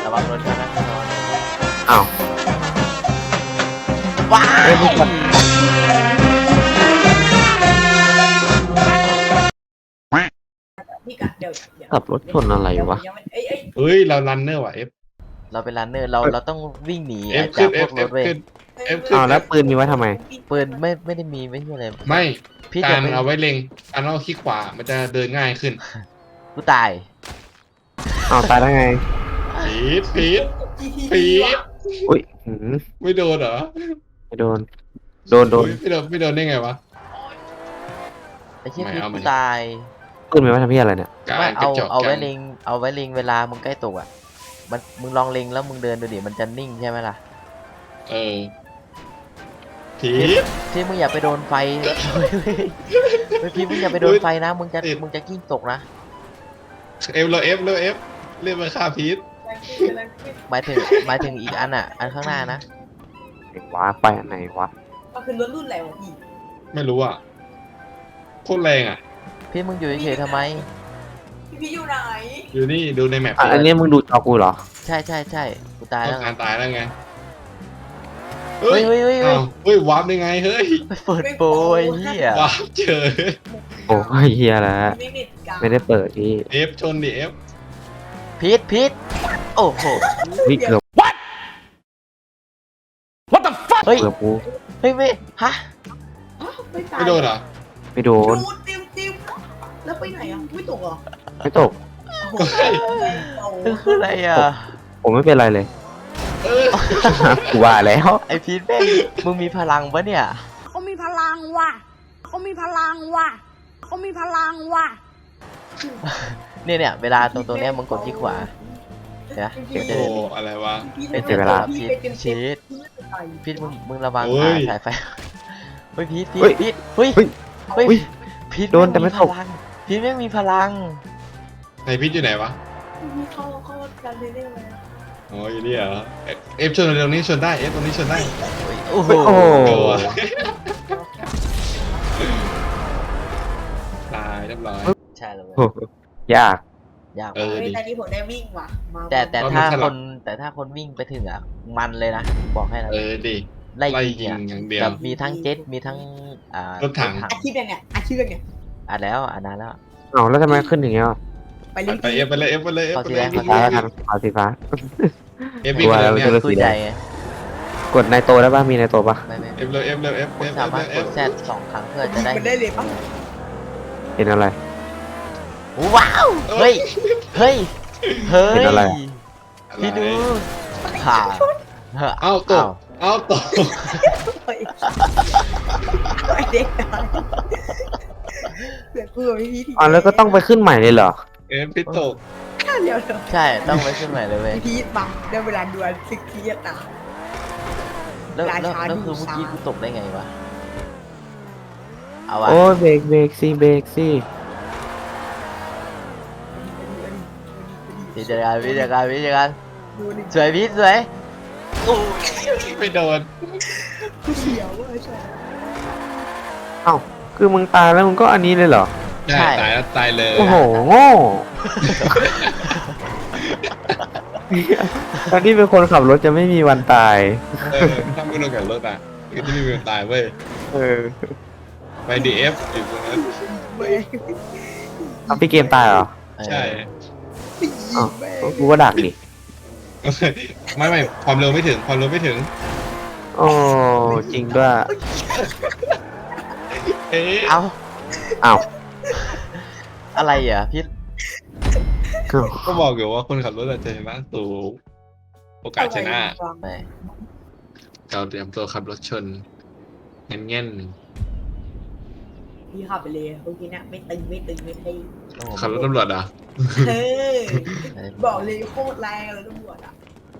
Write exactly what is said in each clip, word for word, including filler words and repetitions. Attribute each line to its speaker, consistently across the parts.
Speaker 1: ระวังรถนะระวัง
Speaker 2: อ้าว
Speaker 1: ว้า
Speaker 2: เฮ้ยมึงกด
Speaker 3: พี่กะเดี๋ยวเดี๋ยว
Speaker 2: ขับรถชนอะไรวะ
Speaker 3: ยังไม่เอ้ยเอ้ย
Speaker 4: เฮ้ยเรารันเนอร์ว่ะเอฟ
Speaker 1: เราเป็นรันเนอร์เราเราต้องวิ่งหนี
Speaker 4: เอฟ
Speaker 1: จา
Speaker 4: ขึ้
Speaker 1: ก
Speaker 4: น
Speaker 1: พ
Speaker 4: เอ
Speaker 1: ว
Speaker 4: ฟ
Speaker 1: กร
Speaker 4: เอ
Speaker 1: ถ
Speaker 4: ฟ
Speaker 1: เว้ย
Speaker 4: ขึ้นเอฟขึ้น
Speaker 2: อ้าวแล้วปืนมีไว้ทำไม
Speaker 1: ปืนไม่ไม่ได้มีไม่ใช่อะไร
Speaker 4: ไม่
Speaker 1: พี่
Speaker 4: กา
Speaker 1: จะ
Speaker 4: ร
Speaker 1: ไป
Speaker 4: เอาไว้เล็งการเอาคลิกขวามันจะเดินง่ายขึ้น
Speaker 1: กูตาย
Speaker 2: อ้าวตายได้ไง
Speaker 4: พีดพีด
Speaker 3: จีที
Speaker 4: พีด
Speaker 2: อุ้ยหืม
Speaker 4: ไม่โดนเหรอ
Speaker 2: ไม่โดน โดนโดน
Speaker 4: อุ๊ยไม่โดนไม่โดนได้ไงวะ
Speaker 1: ไอ้เชี่ย
Speaker 4: ไม่
Speaker 1: คือ
Speaker 4: เอา
Speaker 1: กู
Speaker 4: มัน
Speaker 1: ตาย
Speaker 2: ปืนมีไว้ทำเพี้ยอะไรเนี่ย
Speaker 4: กา
Speaker 1: ไม่
Speaker 4: รกระ
Speaker 1: เอา
Speaker 4: จอก
Speaker 1: เอาไว้
Speaker 4: กัน
Speaker 1: เล็งเอาไว้เล็งเวลามึงใกล้ตกอ่ะมันมึงลองเล็งแล้วมึงเดินดูดิมันจะนิ่งใช่ไหมล่ะ
Speaker 4: เออพีด
Speaker 1: ที่มึงอย่าไปโดนไฟไม่พี่มึงอย่าไปโดนไฟนะมึงจะมึงจะกิ้งตกนะ
Speaker 4: เอฟเราเอฟเราเอฟเรียกมาฆ่าพีด
Speaker 1: หมายถึงหมายถึงอีกอันอ่ะอันข้างหน้านะ
Speaker 2: ไหนวะไปอันไหนวะ
Speaker 3: มันคือรถรุ่นอะไรวะพี่
Speaker 4: ไม่รู้อ่ะโคตรแรงอ่ะ
Speaker 1: พี่มึงอยู่เฉยๆทำไม
Speaker 3: พี่พี่อยู่ไหน
Speaker 4: อยู่นี่ดูในแมป
Speaker 2: อ่ะอันนี้มึงดูจอกูเหรอ
Speaker 1: ใช่ใช่ใช่กูตาย
Speaker 4: ต้
Speaker 1: แล้
Speaker 4: อ
Speaker 1: ว
Speaker 4: งการตายแล้วไง
Speaker 1: เฮ้ยเฮ้ยเฮ้ยเฮ้ย
Speaker 4: อ้าวเฮ้ยวาร์ปได้ไงเฮ้ย
Speaker 1: ไปเปิดโปรยเฮียว
Speaker 4: าร์ปเจอ
Speaker 2: โอ้ยเฮียแล้ว
Speaker 3: ไม่เน็ตกลาง
Speaker 2: ไม่ได้เปิดที่
Speaker 4: เอฟชนดิเอฟ
Speaker 1: พีทพีทโอ้โห
Speaker 2: วิเกือบ
Speaker 1: เฮ้ย
Speaker 2: เกือบกู
Speaker 1: เฮ้ยไม่ฮะ
Speaker 3: ไม่ตาย
Speaker 4: ไม่โดนเหรอ
Speaker 2: ไม่โดน
Speaker 3: ดูติวติวแล้วไปไหนอ่ะไม่ตกเหรอ
Speaker 2: ไม่ตก
Speaker 3: โอ้โห
Speaker 1: คือคืออะไรอ่ะ
Speaker 2: ผมไม่เป็นไรเลย
Speaker 4: เออ
Speaker 2: กูว่าแล้ว
Speaker 1: ไอพีทแม่งมึงมีพลังปะเนี่ย
Speaker 5: เขามีพลังว่ะเขามีพลังว่ะเขามีพลังว่ะ
Speaker 1: เนี่ยเนี่ยเวลาตรงตรงเนี้ยมึงกดที่ขวาเดี๋ยวนะเดี๋ยวจะ
Speaker 4: โอ้
Speaker 1: เดิน
Speaker 4: อะไรวะ
Speaker 1: เป็นเวลาพีทชีทพีทมึงมึงระวัง
Speaker 4: โอ้ย
Speaker 1: สายไฟเฮ้ยพีทพีทพีทเฮ้ย
Speaker 2: เฮ้ย
Speaker 1: เฮ้ย
Speaker 2: เฮ้ย
Speaker 1: พีท
Speaker 2: โดนแต่ไม่ตก
Speaker 1: พลังพีทแม่งมีพลัง
Speaker 4: ในพิษอยู่ไหนวะ
Speaker 3: พี่เข้าเข้าการเล่นเลย
Speaker 4: อ๋ออยู่นี่เหรอเอฟเอฟชนตรงนี้ชนได้เอฟตรงนี้ชนได้
Speaker 1: โอ้โห
Speaker 2: โอ้โห
Speaker 4: โอ้ตายเรียบร้อย
Speaker 1: ใช่เลย
Speaker 2: โอ้โหยาก
Speaker 1: ยาก
Speaker 4: เอ
Speaker 1: มาก
Speaker 4: อ
Speaker 3: เฮ้ย
Speaker 4: ดิ
Speaker 3: แต่นี้ผมได้วิ่งว่ะมา
Speaker 1: แต่แต่
Speaker 4: ตอนนี้
Speaker 1: ถ้า
Speaker 4: สลับ
Speaker 1: คนแต่ถ้าคนวิ่งไปถึงอ่ะมันเลยนะบอกให้นะ
Speaker 4: เออดิ
Speaker 1: ไล่
Speaker 4: ไล่
Speaker 1: ยิ
Speaker 4: ยิ
Speaker 1: ง
Speaker 4: ง
Speaker 1: อ่ะ
Speaker 4: อย่างเดียว
Speaker 1: แบบมีทั้งเจ็ตมีทั้งอ่าร
Speaker 4: ถถัง
Speaker 3: อาชีพเนี่ยอาชีพเนี่ย
Speaker 1: อ่ะแล้วอ่ะนานแล้ว
Speaker 2: เอาแล้วทำไมขึ้นอย่างเงี้ยอ่ะ
Speaker 3: ไปเล่น
Speaker 4: ไปเอฟไปเลยเอฟไปเลยเอฟไปเลย
Speaker 1: เอาสี
Speaker 2: ฟ้า
Speaker 1: แด
Speaker 2: แล้ว
Speaker 1: ง
Speaker 2: กันเอาสีฟ้า
Speaker 4: เอฟวิ่งไปเลย
Speaker 2: กลั
Speaker 4: เนี่
Speaker 2: วแล้ว
Speaker 4: ย
Speaker 1: คุยใจไง
Speaker 2: กดในโตได้ป่ะมีในโตป่ะ
Speaker 1: ไม่ไม่
Speaker 4: เอฟเลยเอฟเลยเอฟ
Speaker 1: คุ
Speaker 4: เอ
Speaker 1: ณ
Speaker 4: ฟ
Speaker 1: สามารถ
Speaker 4: เอก ฟ
Speaker 1: ดแซดสองครั้งเพื่อจะได้
Speaker 3: มันได้เลยปะ
Speaker 2: เห็นอะไร
Speaker 1: ว้าวเฮ้ยเฮ้ยเฮ้ย
Speaker 2: เห็นอะไร
Speaker 1: พี่ดูผ่า
Speaker 4: เอ้าตกเอ้าตก
Speaker 3: ไอเด็กตายเกิดเพื่อพี่พี่
Speaker 2: อ๋อแล้วก็ต้องไปขึ้นใหม่เลยเหรอ
Speaker 4: เอฟพิษตก
Speaker 3: เดี๋ยวเดี๋ยว
Speaker 1: ใช่ต้องไปขึ้นใหม่เลยเว้ย
Speaker 3: พี่บังได้เวลาดวลสิกทีจะตาย
Speaker 1: แล้วแล้ว
Speaker 3: ราชา
Speaker 1: แล้ว
Speaker 3: ดู
Speaker 1: คือเมื่อกี้
Speaker 3: ช้า
Speaker 1: กูตกได้ไงวะเอาวะ
Speaker 2: โอ้ยเบรกเบรกสิเบรกสิ
Speaker 1: พี่จัดการพี่จัดการพี่จัดการ
Speaker 3: ดูดิ
Speaker 1: สวยพี่สวยโอ้ย
Speaker 4: ไม่โดน
Speaker 3: เขียวเว้ยใช่
Speaker 2: เอ้าคือมึงตายแล้วมึงก็อันนี้เลยเหรอ
Speaker 4: ใช่ตายแล้วตายเลย
Speaker 2: โอ้โหโง่ตอนที่เป็นคนขับรถจะไม่มีวันตาย
Speaker 4: เออถ้าไม่โดนกับรถอ่ะก็จะไม่มีวันตายเว้ย
Speaker 2: เออ
Speaker 4: ไปดีเอฟอยู่ตรงนั้น
Speaker 3: เว้ย
Speaker 2: เอาพี่เกมตายเหรอ
Speaker 4: ใช่
Speaker 2: อ้าวกูก็ดักดิ
Speaker 4: ไม่ไม่ความเร็วไม่ถึงความเร็วไม่ถึง
Speaker 2: โอ้จริงด้วย
Speaker 4: เอ๊ะ
Speaker 1: เอา
Speaker 2: อ้าว
Speaker 1: อะไรอ่ะพี่
Speaker 4: ก็บอกอยู่ว่าคนขับรถอาจจะชนะสูงโอกาสชนะ
Speaker 1: ไม่
Speaker 4: เราเตรียมตัวขับรถชนเงี้ยเงี้ย
Speaker 3: พี่ขับไปเลยเมื่อกี้เนี่ยไม่ตึงไม่ตึงไม่ตึง
Speaker 1: โอ้โห
Speaker 4: ขับรถตำรวจอ่ะ
Speaker 3: เฮ้ยบอกเลยโคตรแรงเลยตำรวจอ่ะ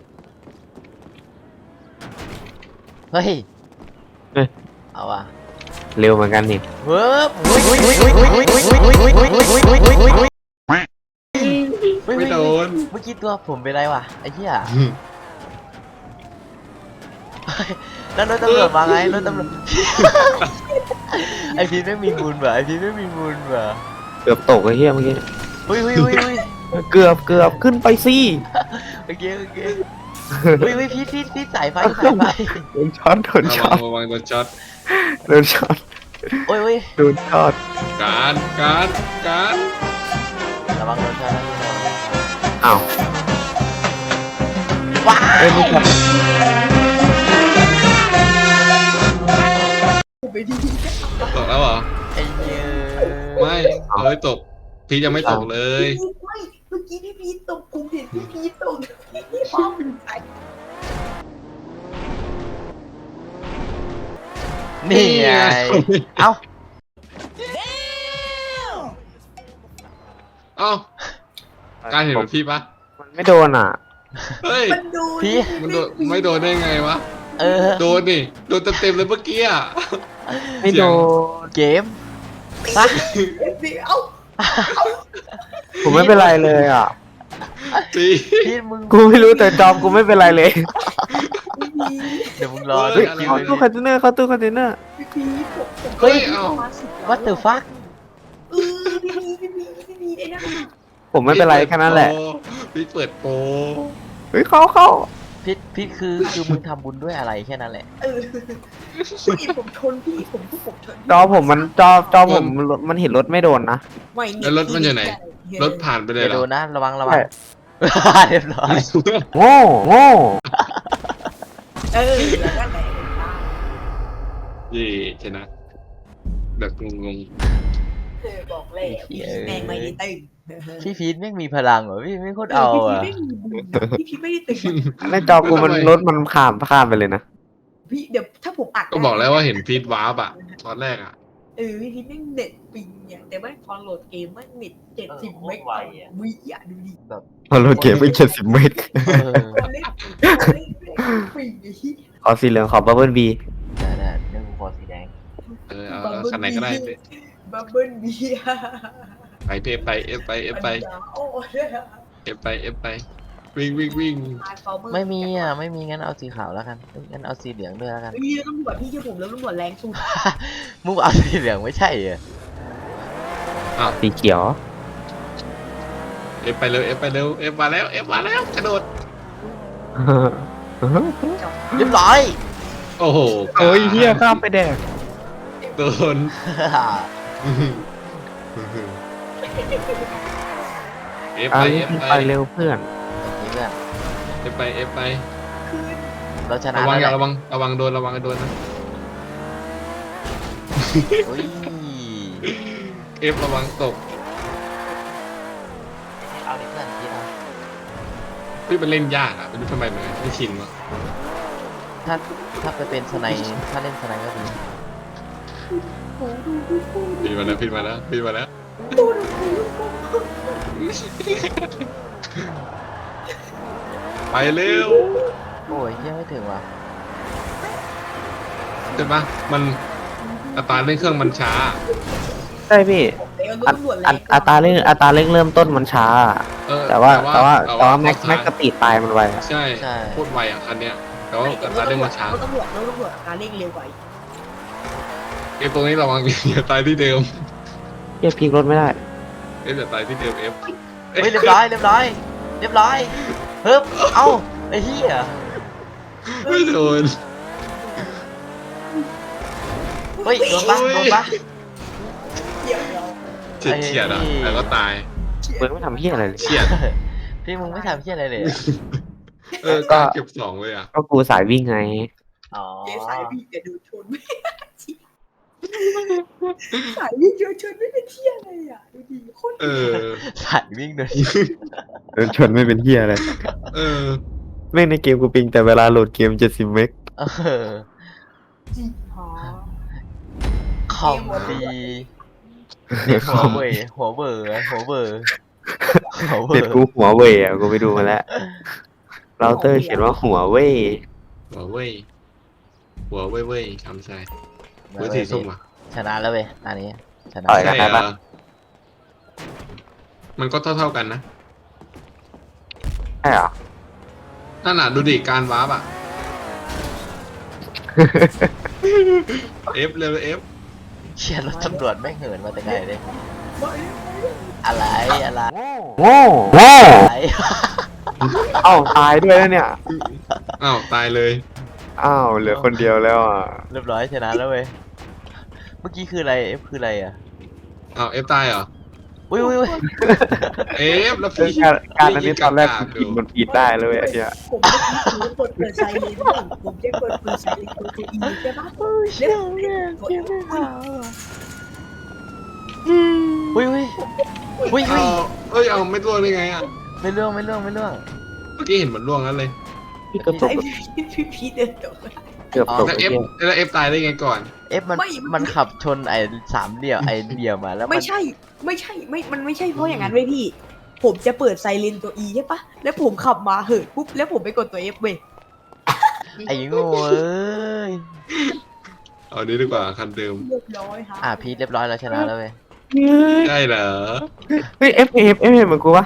Speaker 1: เฮ้ย
Speaker 2: เฮ้ย
Speaker 1: เอาว่ะ
Speaker 2: เร็วเหมือนกันนี่
Speaker 1: เวิร์บอุ้ยอุ้ยอุ้ยอุ้ยอุ้ยอุ้ยอุ้ยอุ้ยอุ้ยอุ้ยอุ้ยอุ้ยอุ้ยอุ้ยอุ้ยอุ้ย
Speaker 4: ไม่โดน
Speaker 1: เมื่อกี้ตัวผมเป็นไรวะไอ้เหี้ยแล้วรถตำรวจมาไงรถตำรวจไอพีทไม่มีบุญว่ะไอพีทไม่มีบุญว่ะ
Speaker 2: เกือบตกไอ้เหี้ยเมื่อกี้
Speaker 1: อุ้ยอุ้ยอุ้ยอุ้ย
Speaker 2: เกือบเกือบขึ้นไปสิ
Speaker 1: โอเคโอเคเฮ้ยเฮ้ยพีทพีทพีทสายไฟสายไฟ
Speaker 2: โดนช็อตโดน
Speaker 4: ระ
Speaker 2: ช็
Speaker 4: วั
Speaker 2: อง ต
Speaker 4: ระวังโดนช็อต
Speaker 2: โดนช็อต
Speaker 1: โอ้ยโอ้ย
Speaker 2: โดนช็อต
Speaker 4: การการการ
Speaker 1: ระวังโดนชนนะ
Speaker 2: อ้าว
Speaker 1: ว้า
Speaker 2: เอ้ยไม่ช็อต
Speaker 3: ผมไปดี
Speaker 4: ตกแล้วเหรอ
Speaker 1: ไอ้เหี้ย
Speaker 4: ไม่เอ้ยตกพี่ยังไม่ตกเลย
Speaker 3: ไม่เมื่อกี้พี่พีทตกผมเห็นพี่พีทตกพี่ป้อมใส่
Speaker 1: นี่ไงเอ้า
Speaker 4: เอ้าการเห็นเหมือนพี่ปะ
Speaker 2: มันไม่โดนอ่ะ
Speaker 4: เฮ้ย
Speaker 3: มันโดน
Speaker 1: พี่
Speaker 4: มันโดนไม่โดนได้ไงวะ
Speaker 1: เออ
Speaker 4: โดนนี่โดนเต็มๆเลยเมื่อกี้อ่ะ
Speaker 2: ไม่โดน
Speaker 1: เกมปะ
Speaker 3: เอฟซีเอ้า
Speaker 2: ผมไม่เป็นไรเลยอ่ะ
Speaker 4: พี่
Speaker 1: พีทมึง
Speaker 2: กูไม่รู้แต่จอมกูไม่เป็นไรเลย
Speaker 3: พี่พีท
Speaker 1: เดี๋ยวมึงรอ
Speaker 2: เฮ้
Speaker 1: ดู
Speaker 2: ย
Speaker 1: คิว
Speaker 2: เข้า
Speaker 1: เลย
Speaker 2: ตู้คอนเทนเนอร์เข้าตู้คอนเทนเนอร์
Speaker 3: พี่พีทผมผม
Speaker 1: เฮ้ย
Speaker 3: มาสิบ
Speaker 1: วัตเตอร์ฟัก
Speaker 3: เออพี่พีทพี่พีทพี่พีทไอ้นั่นน่ะ
Speaker 2: ผมไม่เป็นไรแค่นั้นแหละ
Speaker 4: พี่เปิดโปร
Speaker 2: เฮ้ยเข้าเข้า
Speaker 1: พีทพีทคือคือมึงทำบุญด้วยอะไรแค่นั้นแหละ
Speaker 3: เออพี่ผมชนพี่ผมพวกผมชนพี่
Speaker 2: จอผมมันจอจอผมมันเห็นรถไม่โดนนะ
Speaker 3: ไม่
Speaker 4: แล้วรถมันอยู่ไหนรถผ่านไปเลย
Speaker 1: เดี๋ยว
Speaker 4: เหร
Speaker 1: โด
Speaker 4: อน
Speaker 1: นะระวังระวัง เรียบร้อย
Speaker 2: โง่โง่
Speaker 3: เออแล้วก็แหละ
Speaker 4: ยี่ชนะแบบงง
Speaker 3: เออบอกเลยพี่พีทแม่งไม่ได้ตึง
Speaker 1: พี่พีทไม่งมีพลังเหรอพี่ไม่โคตรเอาอ่ะ
Speaker 3: พี่พีทไม่มีบุญพี่พีทไม่ได้ตึง
Speaker 2: ในจอกูมันรถมันข้ามข้ามไปเลยนะ
Speaker 3: พี่เดี๋ยวถ้าผมอัด
Speaker 4: ๆก็บอกแล้วว่าเห็นฟีดวาร์ปอะตอนแรกอะ
Speaker 3: เออพี่พีทแม่งเน็ตปิงเนี่ยแต่ว่าพอโหลดเกมแม่งเน็ตเจ็ดสิบเมกะวิอ่ะดูดิ
Speaker 2: พอรถเก็บไปเจ็ดสิบเมตร
Speaker 1: เออ
Speaker 3: คนเล่นคนเล่นแม่งปิงไอ้ที่
Speaker 2: ขอสีเหลืองขอบับเบิ้ลบี
Speaker 1: ได้ได้เรื่องกูขอสีแดง
Speaker 4: เออเอาเอาคันไหนก็ได้ไป
Speaker 3: บับเบิ้ลบีอะ
Speaker 4: ไปเอฟไปเอฟไปเอฟไป
Speaker 3: โอ้ย
Speaker 4: เอฟไปเอฟไปวิ่งวิ่งวิ่ง
Speaker 1: ไม่มีอ่ะไม่มีงั้นเอาสีขาวแล้วกันเอ้ยงั้นเอาสีเหลืองด้วยแล้วกัน
Speaker 3: ไม่มีแล้วตำรวจพี่เชื่อผมแล้วตำรวจแรงสุด
Speaker 1: มึงเอาสีเหลืองไม่ใช่เหรอ
Speaker 2: สีเขียว
Speaker 4: เอฟไปเร็วเอฟไปเร็วเอฟมาแล้วเอฟมาแล้วกระโดด
Speaker 1: เรียบร้อย
Speaker 4: โอ้โห
Speaker 2: โอ้ยเฮียข้ามไปแดก
Speaker 4: โดนเอฟ
Speaker 2: เอา
Speaker 4: ไป
Speaker 2: รี
Speaker 4: เอบ ฟ
Speaker 2: ไป
Speaker 4: ไป
Speaker 2: เร็วเพื่อน
Speaker 1: นี่เพื่อน
Speaker 4: เอฟไปเอฟไป
Speaker 1: เราชนะ
Speaker 4: ระวังอย่า
Speaker 1: แล้ว
Speaker 4: ระวังระวังโดนระวังโดนนะ
Speaker 1: อุ้ย
Speaker 4: เอฟระวังตก
Speaker 1: เอาดิเพื่อนพีทเอา
Speaker 4: พี่มันเล่นยากอ่ะไม่รู้ทำไมเหมือนกันไม่ชินวะ
Speaker 1: ถ้าถ้าไปเป็นสไนด์ถ้าเล่นสไนด์ก็ดี
Speaker 4: พี่มาแล้วพี่มาแล้วพี่มาแล้วไปเร็ว
Speaker 1: โอ้ยยังไม่ถึงว่ะ
Speaker 4: ใช่ปะมันอัตราเร่งเครื่องมันช้า
Speaker 2: ใช่พี่
Speaker 3: แล้ว
Speaker 2: อัต
Speaker 3: ตำรวจแร
Speaker 2: อัต
Speaker 3: ง
Speaker 2: อัตราเร่งอัตราเร่งเริ่มต้นมันช้า
Speaker 4: เออ
Speaker 2: แต่ว่าแต่ว่าแต่ว่าแม็กแม็กสปีดตายมันไวอะ
Speaker 4: ใช่โคตรไวอ่ะคันเนี้ยแต่ว่าอัตราเร่งมันช้า
Speaker 3: ตำรวจแล้วตำรวจการเร่งเร็วกว่า
Speaker 4: เอฟตรงนี้ระวังอย่าตายที่เดิม
Speaker 2: เฮียพลิกรถไม่ได้
Speaker 4: เอฟอย่าตายที่เดิมเอฟ
Speaker 1: เฮ้ยเรียบร้อยเรียบร้อยเรียบร้อยเฮ้ยเอ้าไอ้เหี้ย
Speaker 4: ไม่โดน
Speaker 1: เฮ้ยโดนปะโดนปะ
Speaker 3: เดี๋ยวเรา
Speaker 4: เฉียดเฉียดอ่ะแล้วก็ตาย
Speaker 2: เบิร์ดไม่ทำเฮียอะไรเลย
Speaker 4: เฉียด
Speaker 1: พี่มึงไม่ทำเหี้ยอะไรเลยอะ
Speaker 4: เออการเก็บสองเลยอ่ะ
Speaker 2: ก็กูสายวิ่งไง
Speaker 1: อ๋อ
Speaker 3: เจ๊สายวิ่งจะดูชนไม่สายวิ่งเจอชนไม่เป็นเที่ยอะไรอ่ะดูดิโคตร
Speaker 4: เออ
Speaker 1: สายวิ่งโดย
Speaker 2: เดินชนไม่เป็นเฮียอะไร
Speaker 4: เออ
Speaker 2: แม่งในเกมกูปิงแต่เวลาโหลดเกมเจ็ดสิบเมก
Speaker 1: เออ
Speaker 3: จริงหรอ
Speaker 1: คอมดีเด็กหัวเว่ยหัวเบอร์หัวเบอร์หัวเบอ
Speaker 2: เด็ด
Speaker 1: ร์
Speaker 2: กูหัวเว่ยอ่ะกูไปดูมาแล้วเราเตอร์เขียนว่าหัวเว่ย
Speaker 4: หัวเว่ยหัวเว่ยเว่ยคำใส่หัวสีส้มอ่ะ
Speaker 1: ชนะแล้วเว้ยอันนี้ชนะ
Speaker 2: ต่อยกัน
Speaker 4: ใช่
Speaker 2: ได้
Speaker 4: เหร
Speaker 2: ปะ
Speaker 4: อมันก็เท่าเท่าๆกันนะ
Speaker 2: ใช่เหรอ
Speaker 4: นั่นน่ะดูดิการวาร์ปอ่ะ เอฟเร็วเอฟ
Speaker 1: เชียร์รถตำรวจแม่งเหินมาแต่ไกลเลย
Speaker 3: มาเร็ว
Speaker 1: อะไรอะไร
Speaker 2: โง่โง่
Speaker 1: อะไร
Speaker 2: เอ้าตายด้วยแล้วเนี่ย
Speaker 4: อ้าวตายเลย
Speaker 2: อ้าวเหลือคนเดียวแล้วอ่ะ
Speaker 1: เรียบร้อยชนะแล้วเว้ยเมื่อกี้คืออะไรเอฟคืออะไรอ่ะ
Speaker 4: อ้าวเอฟตายเหรอ
Speaker 1: อุ้ยอุ้ยอุ้ย
Speaker 4: เอฟแล้ว
Speaker 2: เออ
Speaker 4: พี่
Speaker 2: การการอันนี้ตอนแรก
Speaker 4: า
Speaker 2: กู
Speaker 4: ๆ
Speaker 2: กินมันผิดได้เลยไอ้เหี้ย
Speaker 3: ผมเมื่อกี้ผมกดเปิดไซเรนบ้างผมจะกดเปิดไซเรนตัวตัวอีใช่ปะแล้วตัวเอฟ
Speaker 1: อุ้ยอุ้ยอุ้ยอุ้
Speaker 4: อ้าย วเอ้ยเอาไม่ร่วงได้ไงอ่ะ
Speaker 1: ไม่เรื่องไม่เรื่องไม่เรื่อง
Speaker 4: เมื่อกี้เห็นเหมือนร่วงนั้นเลย
Speaker 2: พี่ก็ตก
Speaker 3: ไอ้พี่พี่พี่เดินตก
Speaker 2: เกือบตก
Speaker 4: แล้ว
Speaker 2: ไอ้
Speaker 4: เอฟ
Speaker 2: เหี้ย
Speaker 4: แล้วเอฟตายได้ไงก่อน
Speaker 1: เอฟมันมันขับชนไอ้สามเหลี่ยมไอ้เหลี่ยมมาแล้วมัน
Speaker 3: ไม่ใช่ไม่ใช่ไม่มันไม่ใช่เพราะอย่างนั้นเว้ยพี่ ผมจะเปิดไซเรนตัวอีใช่ปะแล้วผมขับมาเหินปุ๊บแล้วผมไปกดตัวเอฟเว้ย
Speaker 1: ไอ้โง่เอ้ย
Speaker 4: เอานี้ดีกว่าคันเดิม
Speaker 3: เรียบร้อยฮะ
Speaker 1: อ่ะพีทเรียบร้อยแล้วชนะแล้วเว้ย
Speaker 4: ได้เหรอ
Speaker 2: เฮ้ยเอฟเอฟเอฟเหมือนกูปะ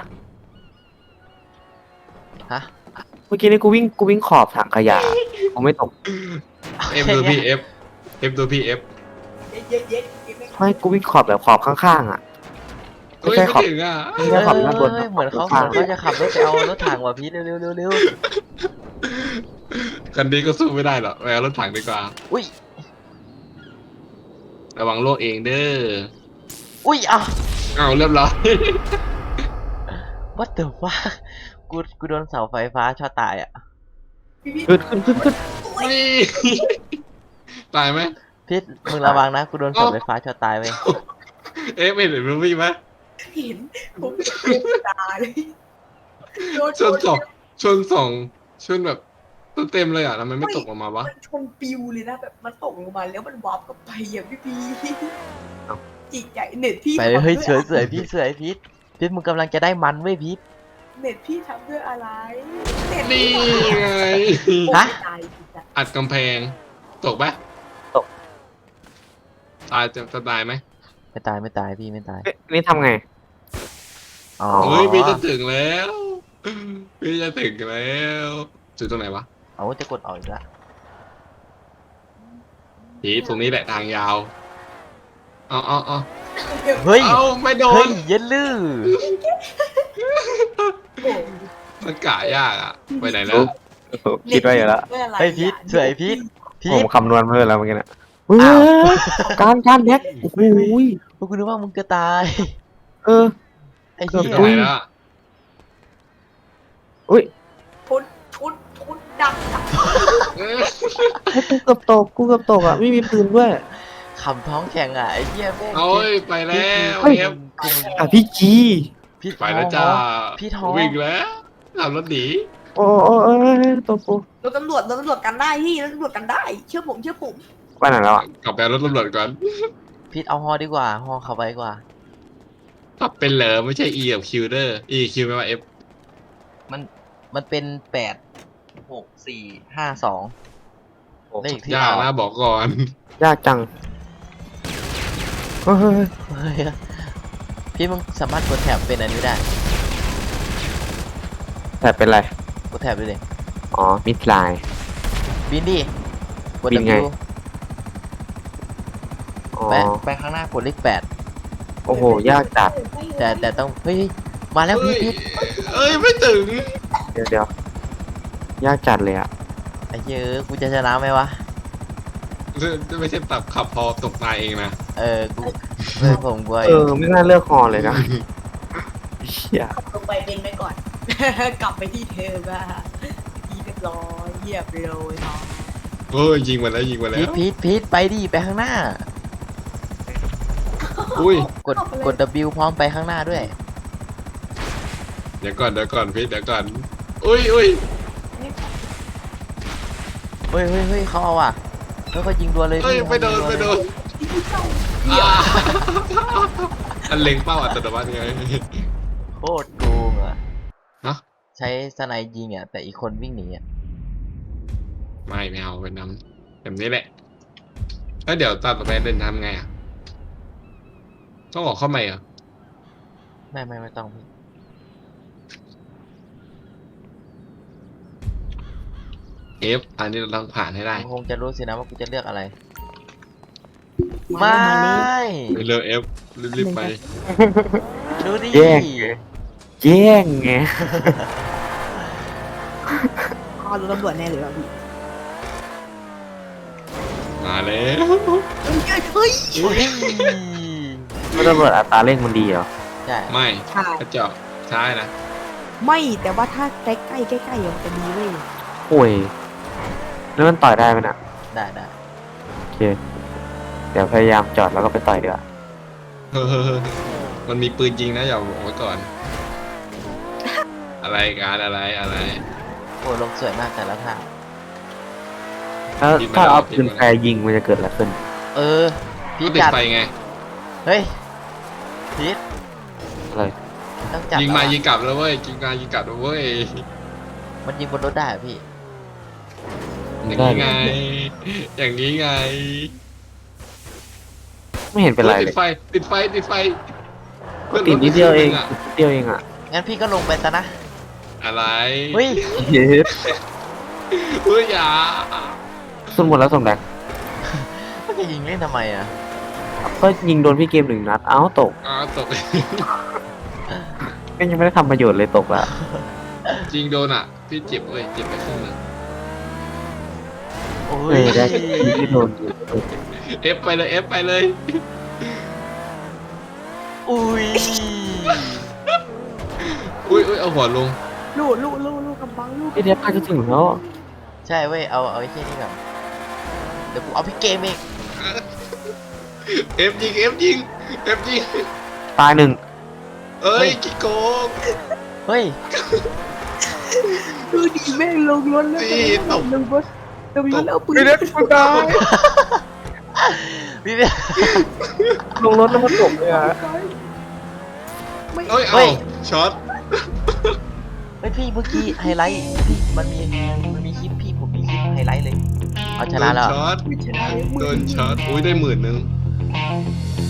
Speaker 1: ฮะ
Speaker 2: เมื่อกี้นี่กูวิ่งกูวิ่งขอบถังขยะกูไม่ตก
Speaker 4: เอฟดูพี่เอฟเอฟดูพี่เอฟ
Speaker 3: เย็ดเย็ดเย็ดเย็ดไม่
Speaker 2: ไม่กูวิ่งขอบแบบขอบข้างๆอ่ะ ไม่
Speaker 4: เฮ้ย
Speaker 2: ใช่
Speaker 4: ไม่
Speaker 2: ขอบ
Speaker 4: ถึงอ่ะ
Speaker 2: ไม่
Speaker 1: เอ
Speaker 2: ใช่
Speaker 1: อ
Speaker 2: ขอบด้านบน
Speaker 1: เหมือนเขาเห
Speaker 2: ข้า
Speaker 1: มื
Speaker 2: ง
Speaker 1: อนเขาจะขับรถไปเอารถถังว่ะพีทเร็วเร็วเร็วเร็ว
Speaker 4: คันนี้ก็สู้ไม่ได้หรอกไปเอารถถังดีกว่า
Speaker 1: อุ้ย
Speaker 4: ระวังโลกเองเด้อ
Speaker 1: อุ้ยอ่ะ
Speaker 4: เอาเรียบร้อย
Speaker 1: what the fuck กูกูโดนเสาไฟฟ้าช็อตตายอ่ะ
Speaker 3: พี่พี่
Speaker 2: ขึ้นขึ้นขึ้นขึ้น
Speaker 4: นี่ ตายไหม
Speaker 1: พีทมึงระวังนะกูโดนเสาไฟฟ้าช็อตตายเว้ย
Speaker 4: เอฟไม่เห็นมันวิ่งไหม
Speaker 3: เห็นผมเป็นตาเลยโดน
Speaker 4: ชนสองชนสองชนแบบเต็มเลยอ่ะทำไมไม่ตกออกมาวะ
Speaker 3: มันชนปิวเลยนะแบบมันตกลงมาแล้วมันวาร์ปกลับไปอย่างพี่พีจิตใจเน็ตพี่
Speaker 1: ไปเลยเฮ้ย
Speaker 3: ทำ
Speaker 1: เส
Speaker 3: ด้
Speaker 1: วย
Speaker 3: อะ
Speaker 1: เสวยพี่เสวยพีทพีทมึงกำลังจะได้มันเว้ยพีท
Speaker 3: เน็ตพี่ทำด้วยอะไรเน็ต
Speaker 4: นี่
Speaker 3: พี่
Speaker 4: ไง
Speaker 1: ฮะ
Speaker 3: ตายจริงจัง
Speaker 4: อัดกำแพง ตกปะตายจะจะตายไหม
Speaker 1: ไม่ตายไม่ตายพี่ไม่ตาย
Speaker 2: เอ๊ะนี่ทำไง
Speaker 1: อ๋อ
Speaker 4: เฮ้ยพี่จะถึงแล้วพี่จะถึงแล้วจุดตรงไหนวะ
Speaker 1: เอาจะกดออกอีกละ
Speaker 4: ผีตรงนี้แหละทางยาวเอาเอาเอา
Speaker 1: เฮ้ย
Speaker 4: เอาไม่โด
Speaker 1: เฮ้
Speaker 4: น
Speaker 1: ยเย็นลือ
Speaker 3: โอ้
Speaker 4: มันกะยากอ่ะไปไหนแล้ว
Speaker 2: คิดไว้อยู่แล้ว
Speaker 1: เฮ้ยพีทเสวยพีทพี
Speaker 2: ผม
Speaker 1: ท
Speaker 2: คำนวณเพิ่มแล้วเมื่อกี้น่ะ
Speaker 1: อ้าว
Speaker 2: เฮ้ยการการแดกโอ้โหย
Speaker 1: กูนึกว่ามึงจะตาย
Speaker 2: เออ
Speaker 1: ไอ้
Speaker 2: เกื
Speaker 1: เหี้
Speaker 2: อบ
Speaker 4: ตรง
Speaker 1: ย
Speaker 4: ไหนแล้วอะ
Speaker 2: อุ้ย
Speaker 3: ทุนทุนทุนดังดัง
Speaker 4: เอ้ย
Speaker 2: ให้กูเกือบตกกูเกือบตกอ่ะไม่มีปืนด้วย
Speaker 1: ขำท้องแข็งอ่ะไอ้เหี้ยแม่ง
Speaker 4: เอาเว้ยไปแล้ว
Speaker 2: เฮ้ย
Speaker 4: เอฟ
Speaker 2: อ่ะพี่จี
Speaker 1: พี่
Speaker 4: ไปแล้วจ้า
Speaker 1: พี่ท้อง
Speaker 4: วิ่งแล้วขับรถหนี
Speaker 2: โอ้โอ้โอ้ยตกกู
Speaker 3: รถตำรวจรถตำรวจกันได้พี่รถตำรวจกันได้ เชื่อผมเชื่อผม
Speaker 2: ไปไหนแล้วอ่ะ
Speaker 4: กลับไปเอารถตำรวจก่อน
Speaker 1: พีทเอาฮอดีกว่าฮอขับไปดีกว่า
Speaker 4: ขับเป็นเหรอไม่ใช่ E กับ Q เด้อ E Q ไม่ว่า F
Speaker 1: มันมันเป็นแปดหกสี่ห้าสองเลขที่
Speaker 4: ยาก
Speaker 1: ออก
Speaker 4: นะบอกก่อน
Speaker 2: ยากจังเฮ้ยเฮ้ยเฮ้ย
Speaker 1: เฮ้ยพี่มึงสามารถกดแถบเป็นอันนี้ได้
Speaker 2: แต่เป็นไร
Speaker 1: กดแถบดูดิ
Speaker 2: อ๋อมิดไลน์
Speaker 1: บินดิกด
Speaker 2: บินไง
Speaker 1: W
Speaker 2: อ๋อ
Speaker 1: ไปไปข้างหน้ากดเลขแปด
Speaker 2: โอ้โหยากจัด
Speaker 1: แต่แต่ต้องเฮ้ยมาแล้วพีทพีท
Speaker 4: เอ้ยไม่ถึง
Speaker 2: เดี๋ยวเดี๋ยวยากจัดเลยอ่ะ
Speaker 1: ไอ้เหี้ยอะกูจะชนะไหมวะ
Speaker 4: ไม่ใช่ตับขับพอตกตายเองนะ
Speaker 1: เออกูเพื่อนผมกู
Speaker 2: เออไม่น่าเลือกฮอเลยนะเฮีย
Speaker 3: ลงไปเป็นไปก่อน กลับไปที่เธอบ้าที่เรียบร้อยเยียบเลยเนาะ
Speaker 4: เฮ้ยยิงมาแล้วยิงมาแล้
Speaker 1: พีท
Speaker 4: ว
Speaker 1: พีทพีทไปดิไปข้างหน้า
Speaker 4: อุ้ย
Speaker 1: กดกด W พร้อมไปข้างหน้าด้วย
Speaker 4: เดี๋ยวก่อนเดี๋ยวก่อนพี่เดี๋ยวก่อนอุ้ยอุ้ย
Speaker 1: เฮ้ยเฮ้ยเฮ้ยเขาเอาอ่ะเฮ้ยเขายิงดัวเลย
Speaker 4: เฮ้ย
Speaker 1: พี่
Speaker 4: ไม่โดน
Speaker 1: เขา
Speaker 4: ไม่
Speaker 1: ยิง
Speaker 4: โด
Speaker 1: รัวน เลย
Speaker 4: อ่าอันเล็งเป้าอัตโนมัติไง
Speaker 1: โคตรโกงอ่ะ
Speaker 4: ฮะ
Speaker 1: ใช้สไนด์ยิงอ่ะแต่อีกคนวิ่งหนีอ่ะ
Speaker 4: ไม่ไม่เอาเป็นน้ำแบบนี้แหละแล้วเดี๋ยวตอนต่อไปเดินทำไงอ่ะต้องออกเข้าใหม่เหรอ
Speaker 1: ไม่ไม่ไม่ต้องพี่
Speaker 4: F อันนี้เราต้องผ่านให้ได้
Speaker 1: มึงคงจะรู้สินะว่ากูจะเลือกอะไร
Speaker 3: มา
Speaker 1: ไม่
Speaker 3: แล้ว
Speaker 4: เร็ว F รีบๆไป
Speaker 1: ดูดิ
Speaker 2: แย่งไงแย่งไง
Speaker 3: อ๋อรถตำรวจแน่เลยว่ะพี่
Speaker 4: มาแล้ว
Speaker 3: เฮ้ยเฮ้ย
Speaker 1: เฮ้ย
Speaker 2: ไม่ตำรวจอัตราเร่งมันดีเหรอ
Speaker 1: ใช่
Speaker 4: ไม่
Speaker 3: ใช่
Speaker 4: กระจอกใช่นะ
Speaker 3: ไม่แต่ว่าถ้าใกล้ใกล้ใกล้ใกล้ๆมันจะดีเว้ย
Speaker 2: โอ้ยแล้วมันต่อยได้ไหมน่ะ
Speaker 1: ได้ได้
Speaker 2: โอเค เดี๋ยวพยายามจอดแล้วก็ไปต่อยดีกว่า
Speaker 4: เฮ้อมันมีปืนยิงนะอย่าบอกไว้ก่อน อะไรการอะไรอะไร
Speaker 1: โอ้ลงสวยมากแต่ละทาง
Speaker 2: แล้ว
Speaker 4: ปิดมา
Speaker 2: ถ้า
Speaker 4: แล้ว
Speaker 2: เอา
Speaker 4: ปิด
Speaker 2: ปืน
Speaker 4: มาแล้ว
Speaker 2: แฟร์ยิงมันจะเกิดอะไรขึ้น
Speaker 1: เออพี่
Speaker 4: ก็ติด
Speaker 1: จัด
Speaker 4: ไฟไง
Speaker 1: เฮ้ยพีท
Speaker 2: อะไร
Speaker 1: ต้องจัด
Speaker 4: ยิงมา
Speaker 1: แล้วอะ
Speaker 4: ยิงกลับแล้วเว้ยยิงมายิงกลับแล้วเว้ย
Speaker 1: มันยิงบนรถได้เหรอพี่
Speaker 4: อย่างนี้ไง อย่างนี้ไง
Speaker 2: ไม่เห็นเป็นไร
Speaker 4: ฮ้ย
Speaker 2: เล
Speaker 4: ติ
Speaker 2: ย
Speaker 4: ดไฟติดไฟติดไฟ
Speaker 2: ก็ติดนิดเดียวเอง
Speaker 4: อะ
Speaker 2: นิดเดียวเองอ่ะ
Speaker 1: งั้นพี่ก็ลงไปซะนะ
Speaker 4: อะไร
Speaker 1: เฮ้ย
Speaker 2: เย็ด
Speaker 4: เฮ้ยอย่า
Speaker 2: สมหมดแล้วสมแดง
Speaker 1: มันจะยิงเล่นทำไมอ่ะ
Speaker 2: ก็ยิงโดนพี่เกมหนึ่งนัด เอ้าตก
Speaker 4: อ้าวตก
Speaker 2: ก็ยังไม่ได้ทำประโยชน์เลยตกละ
Speaker 4: จริงโดนอ่ะ พี่เจ็บเว้ยเจ็บไปครึ่งหนึง
Speaker 1: โอ้
Speaker 2: เอย อได้ที่โดนอยู่
Speaker 4: เอฟไปเลยเอฟไปเลย
Speaker 1: อุ้ย
Speaker 4: อุ้ยอุ้ยเอาหัวลง
Speaker 3: ลูกลูกลูกลูกกำบังลูก
Speaker 2: พี่เดี๋ยวพาจะถึงแล้ว
Speaker 1: ใช่เว้ยเอาเอาไอ้ที่นี่ก่อนเดี๋ยวกูเอาพี่เกมเอง
Speaker 4: เอฟยิงเอฟยิงเอฟยิง
Speaker 2: ตายหนึ่ง
Speaker 4: เอ้ยกี่โกง
Speaker 1: เฮ้ย
Speaker 3: ดูดีแม่งลงรถแล้ว
Speaker 4: นี่ตบ
Speaker 3: ลงรถลงรถแล้วเอาปืน
Speaker 2: พี่เดี๋ยวกูตาย
Speaker 1: พี่เนี่ย
Speaker 2: ลงรถแล้วมันตกเลยอ่ะ
Speaker 3: ไม่
Speaker 4: เอ้ย
Speaker 1: เฮ้
Speaker 4: เอา
Speaker 1: ย
Speaker 4: ช็อต
Speaker 1: เฮ้ยพี่เมื่อกี้ไฮไลท์พี่มันมีมันมีคลิปพี่ผมมีคลิปไฮไลท์เลย เอาช
Speaker 4: โด
Speaker 1: นะ
Speaker 4: น
Speaker 1: แล้ว
Speaker 4: ช็อต
Speaker 3: ไม่ชนะเลยมึง
Speaker 4: โดนช็อตอุ้ยได้หมื่นหนึ่ง